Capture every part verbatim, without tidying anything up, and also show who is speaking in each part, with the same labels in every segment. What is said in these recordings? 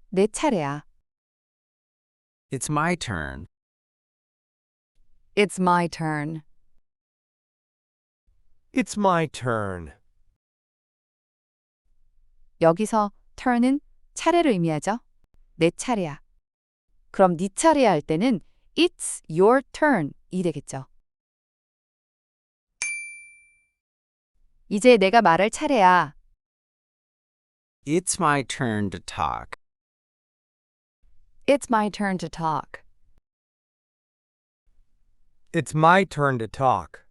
Speaker 1: 내 차례야.
Speaker 2: It's my turn.
Speaker 1: It's my turn.
Speaker 3: It's my turn.
Speaker 1: 여기서 turn은 차례를 의미하죠. 내 차례야. 그럼 네 차례야 할 때는 It's your turn 이 되겠죠. 이제 내가 말할 차례야.
Speaker 2: It's my turn to talk.
Speaker 1: It's my turn to talk.
Speaker 3: It's my turn to talk.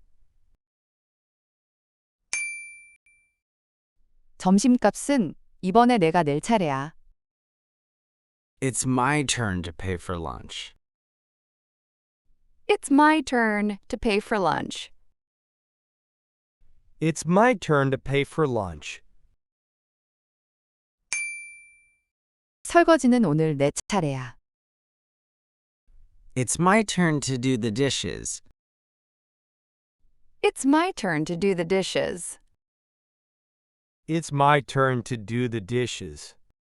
Speaker 1: 점심값은 이번에 내가 낼 차례야.
Speaker 2: It's my turn to pay for lunch.
Speaker 1: It's my turn to pay for lunch.
Speaker 3: It's my turn to pay for lunch.
Speaker 1: 설거지는 오늘 내 차례야.
Speaker 2: It's my turn to do the dishes.
Speaker 1: It's my turn to do the dishes.
Speaker 3: It's my turn to do the dishes.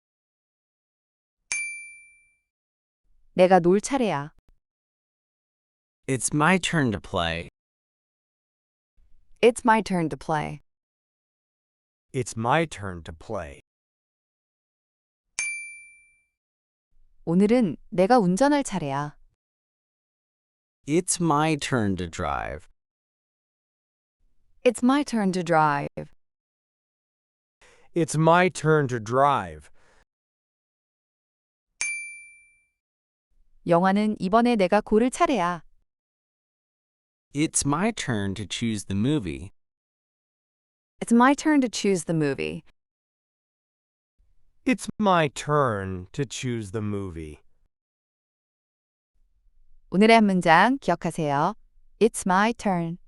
Speaker 1: 내가 놀 차례야.
Speaker 2: It's my turn to play.
Speaker 1: It's my turn to play.
Speaker 3: It's my turn to play.
Speaker 1: 오늘은 내가 운전할 차례야.
Speaker 2: It's my turn to drive.
Speaker 1: It's my turn to drive.
Speaker 3: It's my turn to drive.
Speaker 1: 영화는 이번에 내가 고를 차례야.
Speaker 2: It's my turn to choose the movie.
Speaker 1: It's my turn to choose the movie.
Speaker 3: It's my turn to choose the movie.
Speaker 1: 오늘의 한 문장 기억하세요. It's my turn.